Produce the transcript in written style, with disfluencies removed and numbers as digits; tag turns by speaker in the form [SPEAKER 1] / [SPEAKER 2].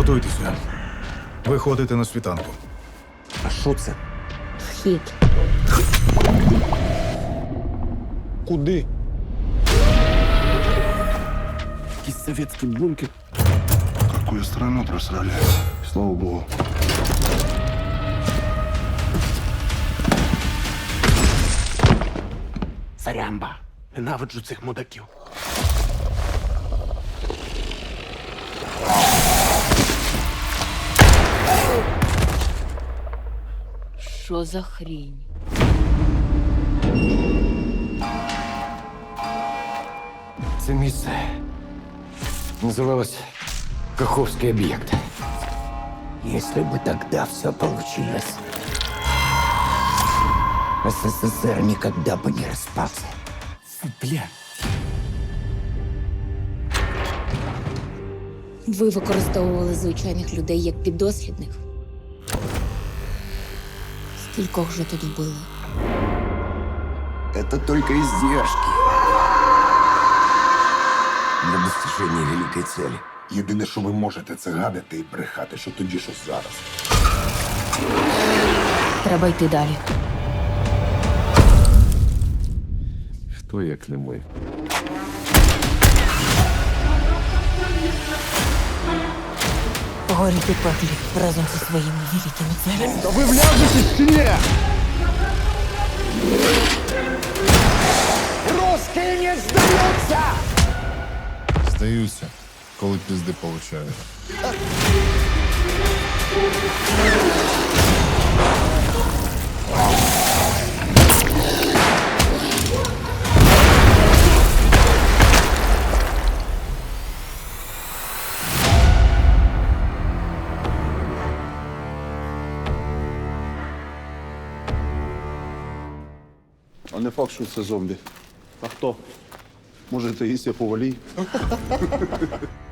[SPEAKER 1] Готуйтеся. Виходите на світанку.
[SPEAKER 2] А що це?
[SPEAKER 3] Вхід.
[SPEAKER 2] Куди? Якийсь совєтський бункер.
[SPEAKER 4] Какую страну просрали. Слава богу.
[SPEAKER 2] Сарямба. Ненавиджу цих мудаків.
[SPEAKER 3] Що за хрінь?
[SPEAKER 5] Це місце называлось Каховский объект. Если бы тогда все получилось, СССР никогда бы не распался.
[SPEAKER 2] Фу, бля.
[SPEAKER 3] Ви використовували звичайних людей як піддослідних. Скількох вже тут вбили?
[SPEAKER 5] Это только издержки для достижения великой цели.
[SPEAKER 4] Єдине, що ви можете, це гадати і брехати, що тоді, що зараз.
[SPEAKER 3] Треба йти далі.
[SPEAKER 5] Хто як не ми?
[SPEAKER 3] Горіть у пеклі разом зі своїми великими целями.
[SPEAKER 2] Та ви вляжетесь чи ні? Русский не сдается!
[SPEAKER 6] Здаюся, коли пізди получаю.
[SPEAKER 4] А не факт, що це зомбі. А хто? Може, це Ісія Повалій?